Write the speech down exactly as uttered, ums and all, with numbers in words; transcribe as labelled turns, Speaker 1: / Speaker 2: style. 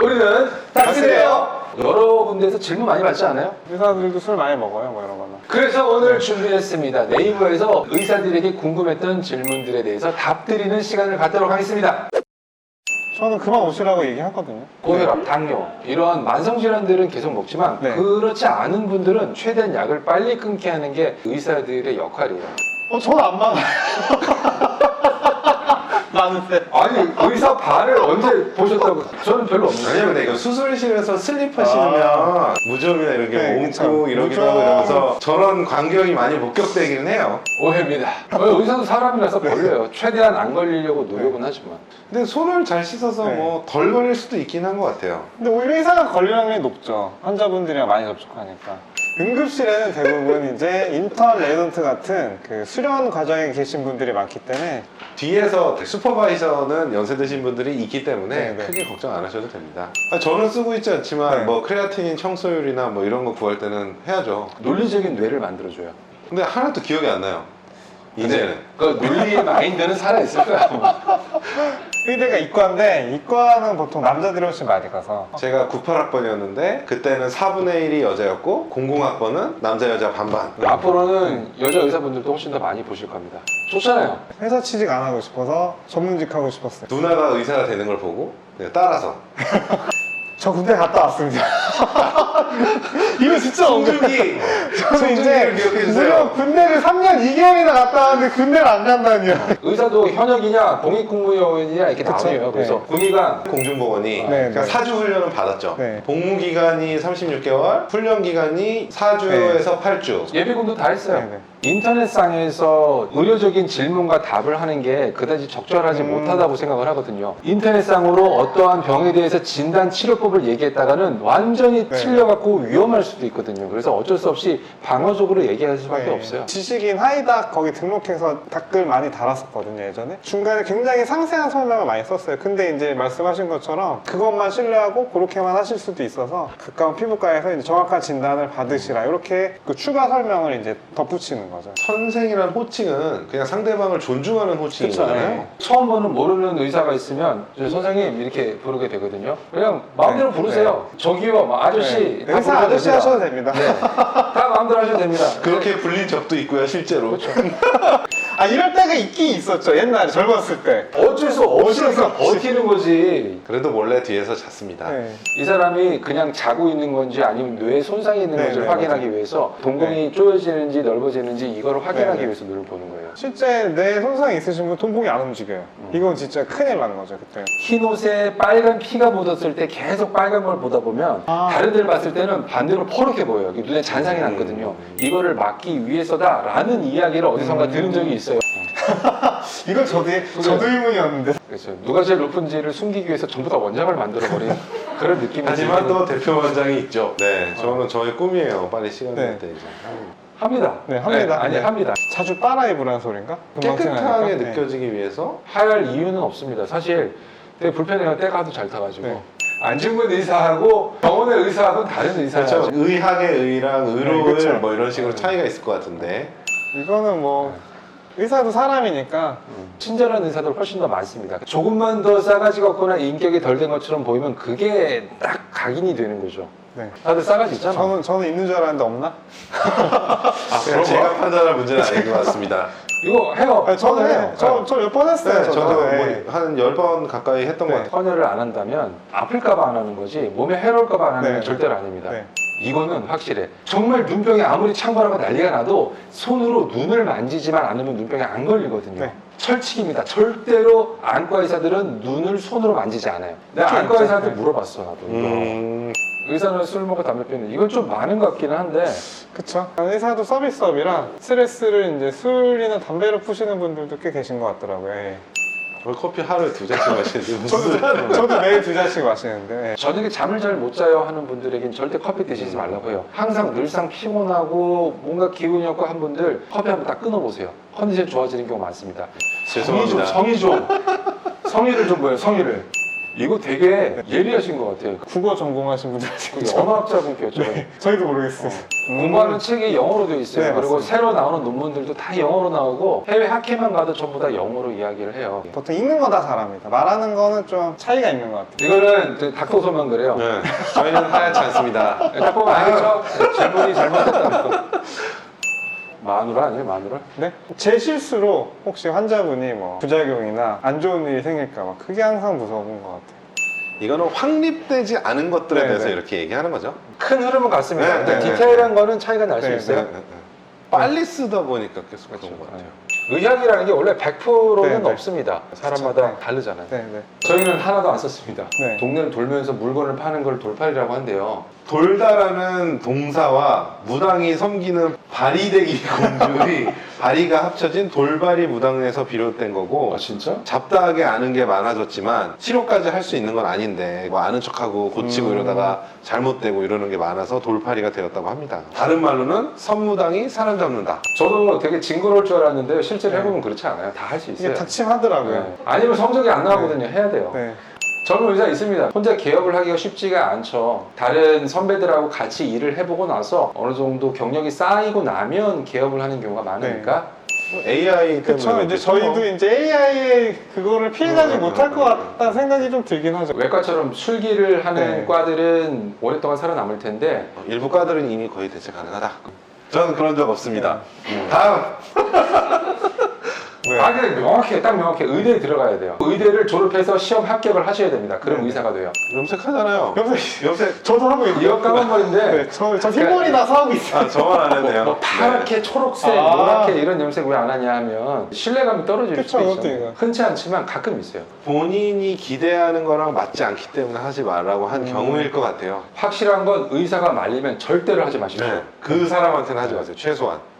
Speaker 1: 우리는 닥치래요. 여러 군데에서 질문 많이 받지 않아요?
Speaker 2: 의사들도 술 많이 먹어요, 뭐 이런 거는.
Speaker 1: 그래서 오늘 준비했습니다. 네이버에서 의사들에게 궁금했던 질문들에 대해서 답드리는 시간을 갖도록 하겠습니다.
Speaker 2: 저는 그만 오시라고 얘기하거든요.
Speaker 1: 고혈압, 당뇨 이런 만성질환들은 계속 먹지만
Speaker 2: 네.
Speaker 1: 그렇지 않은 분들은 최대한 약을 빨리 끊게 하는 게 의사들의 역할이에요.
Speaker 2: 어, 저는 안 많아요. 많은데.
Speaker 1: 아니 의사 발을 언제 보셨다고? 저는 별로 없는데.
Speaker 3: 아니요, 근데 이거 수술실에서 슬립 하시면
Speaker 2: 아.
Speaker 3: 무좀이나 이런 게
Speaker 2: 네,
Speaker 3: 옮고
Speaker 2: 그쵸.
Speaker 3: 이러기도
Speaker 2: 무좀.
Speaker 3: 하고 이러면서 저런 광경이 많이 목격되기는 해요.
Speaker 1: 오해입니다. 어, 의사도 사람이라서 걸려요. 최대한 안 걸리려고 노력은 하지만.
Speaker 3: 근데 손을 잘 씻어서
Speaker 2: 네.
Speaker 3: 뭐 덜 걸릴 수도 있긴 한 것 같아요.
Speaker 2: 근데 오히려 의사가 걸릴 확률이 높죠. 환자분들이랑 많이 접촉하니까. 응급실에는 대부분 이제 인턴, 레지던트 같은 그 수련 과정에 계신 분들이 많기 때문에
Speaker 3: 뒤에서 슈퍼바이저는 연세 드신 분들이 있기 때문에
Speaker 2: 네, 네.
Speaker 3: 크게 걱정 안 하셔도 됩니다. 아, 저는 쓰고 있지 않지만
Speaker 2: 네.
Speaker 3: 뭐 크레아틴인 청소율이나 뭐 이런 거 구할 때는 해야죠.
Speaker 1: 논리적인 뇌를 만들어줘요.
Speaker 3: 근데 하나도 기억이 안 나요. 이제는.
Speaker 1: 그 논리의 마인드는 살아있을 거야.
Speaker 2: 의대가 이과인데 이과는 보통 남자들이 훨씬 많이 가서
Speaker 3: 제가 구십팔 학번이었는데 그때는 사분의 일이 여자였고 공공 학번은 남자 여자 반반.
Speaker 1: 앞으로는 여자 의사분들도 훨씬 더 많이 보실 겁니다. 좋잖아요.
Speaker 2: 회사 취직 안 하고 싶어서 전문직 하고 싶었어요.
Speaker 3: 누나가 의사가 되는 걸 보고 내가 따라서
Speaker 2: 저 군대 갔다 왔습니다. 이거 진짜
Speaker 3: 송중기
Speaker 2: 저는 이제
Speaker 3: 송중기를 기억해 주세요.
Speaker 2: 무려 군대를 삼 년 이 개월이나 갔다 왔는데 군대를 안 간다니요.
Speaker 1: 의사도 현역이냐 공익공무원이냐 이렇게
Speaker 2: 그쵸?
Speaker 1: 나뉘어요. 그래서
Speaker 2: 네.
Speaker 1: 군의관
Speaker 3: 공중보건이
Speaker 2: 네,
Speaker 3: 그러니까
Speaker 2: 네.
Speaker 3: 사주 훈련은 받았죠.
Speaker 2: 네.
Speaker 3: 복무 기간이 삼십육 개월, 훈련 기간이 사 주에서 팔 주.
Speaker 1: 예비군도 다 했어요.
Speaker 2: 네, 네.
Speaker 1: 인터넷상에서 의료적인 질문과 답을 하는 게 그다지 적절하지
Speaker 2: 음.
Speaker 1: 못하다고 생각을 하거든요. 인터넷상으로 어떠한 병에 대해서 진단 치료법을 얘기했다가는 완전히
Speaker 2: 네.
Speaker 1: 틀려갖고 위험할 수도 있거든요. 그래서 어쩔 수 없이 방어적으로 얘기할 수밖에
Speaker 2: 네.
Speaker 1: 없어요.
Speaker 2: 지식인 하이닥 거기 등록해서 댓글 많이 달았었거든요, 예전에. 중간에 굉장히 상세한 설명을 많이 썼어요. 근데 이제 말씀하신 것처럼 그것만 신뢰하고 그렇게만 하실 수도 있어서 가까운 피부과에서 이제 정확한 진단을 받으시라 이렇게 그 추가 설명을 이제 덧붙이는 거죠.
Speaker 3: 선생이란 호칭은 그냥 상대방을 존중하는 호칭인
Speaker 2: 그쵸,
Speaker 3: 거잖아요.
Speaker 2: 네.
Speaker 1: 처음 보는 모르는 의사가 있으면 저 선생님 이렇게 부르게 되거든요. 그냥 마음대로
Speaker 2: 네.
Speaker 1: 부르세요. 저기요, 뭐 아저씨
Speaker 2: 네.
Speaker 1: 다
Speaker 2: 의사
Speaker 1: 부르셔도
Speaker 2: 아저씨
Speaker 1: 됩니다.
Speaker 2: 하셔도 됩니다.
Speaker 1: 네. 다 마음대로 하셔도 됩니다.
Speaker 3: 그렇게 불린 적도 있고요, 실제로.
Speaker 1: 그렇죠.
Speaker 2: 아 이럴 때가 있긴 있었죠, 옛날에 젊었을 때.
Speaker 1: 어쩔 수 없으니까
Speaker 2: 어쩔 수 없이.
Speaker 1: 버티는 거지.
Speaker 3: 그래도 몰래 뒤에서 잤습니다.
Speaker 2: 네.
Speaker 1: 이 사람이 그냥 자고 있는 건지 아니면 뇌에 손상이 있는
Speaker 2: 네,
Speaker 1: 건지를
Speaker 2: 네,
Speaker 1: 확인하기
Speaker 2: 맞아요.
Speaker 1: 위해서 동공이 쪼여지는지 넓어지는지 이거를 확인하기
Speaker 2: 네, 네.
Speaker 1: 위해서 눈을 보는 거예요.
Speaker 2: 실제 뇌 손상이 있으신 분 동공이 안 움직여요. 이건 진짜 큰일 나는 거죠, 그때.
Speaker 1: 흰 옷에 빨간 피가 묻었을 때 계속 빨간 걸 보다 보면
Speaker 2: 아.
Speaker 1: 다른 데를 봤을 때는 반대로 퍼렇게 보여요. 이게 눈에 잔상이 났거든요. 이거를 막기 위해서다라는 이야기를 어디선가 들은 적이 있어요.
Speaker 2: 이건 저도, 저도 의문이었는데.
Speaker 1: 그렇죠. 누가 제일 높은지를 숨기기 위해서 전부 다 원장을 만들어버린 그런 느낌이
Speaker 3: 하지만
Speaker 1: 들기는
Speaker 3: 또 대표 원장이 있죠. 네, 저는 저의 꿈이에요. 빨리 시간 날
Speaker 2: 네.
Speaker 3: 때 이제.
Speaker 1: 합니다.
Speaker 2: 네, 합니다.
Speaker 1: 아니
Speaker 2: 네.
Speaker 1: 합니다.
Speaker 2: 자주 빨아 입으라는 소린가? 금방
Speaker 3: 깨끗하게
Speaker 2: 생각하니까. 네.
Speaker 3: 느껴지기 위해서
Speaker 1: 하할 이유는 없습니다. 사실 되게 불편해요. 때가 하도 잘 타가지고.
Speaker 2: 네.
Speaker 1: 안중근 의사하고 병원의 의사하고는 다른 의사죠.
Speaker 3: 그렇죠. 의학의 의랑 의로의
Speaker 2: 네, 그쵸.
Speaker 3: 뭐 이런 식으로 차이가 있을 것 같은데.
Speaker 2: 이거는 뭐 의사도 사람이니까
Speaker 1: 친절한 의사들 훨씬 더 많습니다. 조금만 더 싸가지 없거나 인격이 덜 된 것처럼 보이면 그게 딱 각인이 되는 거죠.
Speaker 2: 네.
Speaker 1: 다들 싸가지 있잖아.
Speaker 2: 저는 저는 있는 줄 알았는데 없나?
Speaker 3: 아,
Speaker 1: 그런
Speaker 3: 제가
Speaker 1: 거?
Speaker 3: 판단할 문제는 아닌 것 같습니다.
Speaker 1: 이거 해요.
Speaker 2: 아니, 저는
Speaker 1: 해요.
Speaker 2: 해요. 저저 몇 번 했어요.
Speaker 3: 네, 저도
Speaker 2: 네.
Speaker 3: 뭐 한 열 번 가까이 했던
Speaker 2: 네.
Speaker 3: 것 같아요.
Speaker 1: 헌혈을 안 한다면 아플까봐 안 하는 거지 몸에 해로울까봐 안 하는 건
Speaker 2: 네.
Speaker 1: 절대로 아닙니다.
Speaker 2: 네.
Speaker 1: 이거는 확실해. 정말 눈병이 아무리 창궐하고 난리가 나도 손으로 눈을 만지지만 않으면 눈병이 안 걸리거든요.
Speaker 2: 네.
Speaker 1: 철칙입니다. 절대로 안과 의사들은 눈을 손으로 만지지 않아요. 내가
Speaker 2: 그렇죠,
Speaker 1: 안과
Speaker 2: 그렇죠.
Speaker 1: 의사한테
Speaker 2: 네.
Speaker 1: 물어봤어 나도. 이거.
Speaker 3: 음,
Speaker 1: 의사는 술 먹고 담배 피우는 이건 좀 많은 것 같기는 한데
Speaker 2: 그쵸. 의사도 서비스업이라 스트레스를 이제 술이나 담배로 푸시는 분들도 꽤 계신 것 같더라고요. 예.
Speaker 3: 저 커피 하루에 두 잔씩 마시는데 무슨
Speaker 2: 저도, 저도 매일 두 잔씩 마시는데. 예.
Speaker 1: 저녁에 잠을 잘 못 자요 하는 분들에겐 절대 커피 드시지 말라고 해요. 항상 늘상 피곤하고 뭔가 기운이 없고 한 분들 커피 한번 딱 끊어보세요. 컨디션 좋아지는 경우 많습니다.
Speaker 3: 죄송합니다.
Speaker 1: 성의 좀, 성의 좀 성의를 좀 보여요. 성의를. 이거 되게 예리하신 것 같아요.
Speaker 2: 국어 전공하신 분들 하시는
Speaker 1: 그
Speaker 2: 거죠?
Speaker 1: 언어학자 분께였죠.
Speaker 2: 네, 저희도 모르겠어요. 음.
Speaker 1: 공부하는 책이 영어로 되어 있어요.
Speaker 2: 네,
Speaker 1: 그리고
Speaker 2: 맞습니다.
Speaker 1: 새로 나오는 논문들도 다 영어로 나오고 해외 학회만 가도 전부 다 영어로 이야기를 해요.
Speaker 2: 보통 읽는 거 다 잘합니다. 말하는 거는 좀 차이가 있는 것 같아요.
Speaker 1: 이거는 그 닥터소만 그래요.
Speaker 3: 네, 저희는 하얗지 않습니다.
Speaker 1: 딱 보면 알겠죠? 질문이 잘못됐다는 거. 마누라 아니에요, 마누라?
Speaker 2: 네? 제 실수로 혹시 환자분이 뭐 부작용이나 안 좋은 일이 생길까 봐 그게 항상 무서운 것 같아요.
Speaker 3: 이거는 확립되지 않은 것들에
Speaker 2: 네,
Speaker 3: 대해서
Speaker 2: 네.
Speaker 3: 이렇게 얘기하는 거죠.
Speaker 1: 큰 흐름은 같습니다.
Speaker 3: 네,
Speaker 1: 근데
Speaker 3: 네,
Speaker 1: 디테일한 거는 차이가 날 수
Speaker 2: 네,
Speaker 1: 있어요.
Speaker 3: 네, 네, 네. 빨리 쓰다 보니까 계속 그런
Speaker 1: 그렇죠.
Speaker 3: 것 같아요.
Speaker 1: 의학이라는 게 원래 백 퍼센트는
Speaker 2: 네, 네.
Speaker 1: 없습니다. 사람마다
Speaker 2: 그렇죠.
Speaker 1: 다르잖아요.
Speaker 2: 네, 네.
Speaker 1: 저희는 하나도 안 썼습니다.
Speaker 2: 네.
Speaker 1: 동네를 돌면서 물건을 파는 걸 돌팔이라고 한대요.
Speaker 3: 돌다라는 동사와 무당이 섬기는 바리대기 공주의 바리가 합쳐진 돌바리 무당에서 비롯된 거고
Speaker 1: 아 진짜?
Speaker 3: 잡다하게 아는 게 많아졌지만 치료까지 할 수 있는 건 아닌데 뭐 아는 척하고 고치고
Speaker 2: 음.
Speaker 3: 이러다가 잘못되고 이러는 게 많아서 돌팔이가 되었다고 합니다. 다른 말로는 선무당이 사람 잡는다.
Speaker 1: 저도 되게 징그러울 줄 알았는데 실제로
Speaker 2: 네.
Speaker 1: 해보면 그렇지 않아요. 다 할 수
Speaker 2: 이게
Speaker 1: 있어요.
Speaker 2: 닥침하더라고요.
Speaker 1: 네. 아니면 성적이 안 나오거든요. 해야 돼요.
Speaker 2: 네.
Speaker 1: 젊은 의사 있습니다. 혼자 개업을 하기가 쉽지가 않죠. 다른 선배들하고 같이 일을 해보고 나서 어느 정도 경력이 쌓이고 나면 개업을 하는 경우가 많으니까
Speaker 3: 에이아이 때문에
Speaker 2: 그쵸. 이제
Speaker 3: 그렇겠죠.
Speaker 2: 저희도 이제 에이아이의 그거를 피해가지
Speaker 3: 음,
Speaker 2: 못할
Speaker 3: 음,
Speaker 2: 것
Speaker 3: 음,
Speaker 2: 같다는 생각이 좀 들긴 하죠.
Speaker 1: 외과처럼 술기를 하는
Speaker 2: 네.
Speaker 1: 과들은 오랫동안 살아남을 텐데
Speaker 3: 일부 과들은 이미 거의 대체 가능하다. 저는 그런 적 없습니다.
Speaker 1: 음.
Speaker 3: 다음.
Speaker 2: 왜?
Speaker 1: 아, 근데 명확해, 딱 명확해. 의대에 들어가야 돼요. 의대를 졸업해서 시험 합격을 하셔야 됩니다. 그럼
Speaker 2: 네.
Speaker 1: 의사가 돼요.
Speaker 3: 염색하잖아요.
Speaker 2: 염색
Speaker 3: 염색.
Speaker 2: 저도 하고 있는데.
Speaker 1: 이거 까만 머리인데
Speaker 2: 네, 저, 저 흰머리 나서 하고 있어요.
Speaker 3: 아, 저만 안 했네요.
Speaker 1: 뭐 파랗게, 초록색,
Speaker 2: 아.
Speaker 1: 노랗게 이런 염색 왜 안 하냐 하면 신뢰감이 떨어질
Speaker 2: 그쵸,
Speaker 1: 수도
Speaker 2: 그것도
Speaker 1: 있죠.
Speaker 2: 이거.
Speaker 1: 흔치 않지만 가끔 있어요.
Speaker 3: 본인이 기대하는 거랑 맞지 않기 때문에 하지 말라고 한
Speaker 2: 음.
Speaker 3: 경우일 것 같아요.
Speaker 1: 확실한 건 의사가 말리면 절대로 하지 마십시오.
Speaker 3: 그 사람한테는 하지 마세요. 최소한.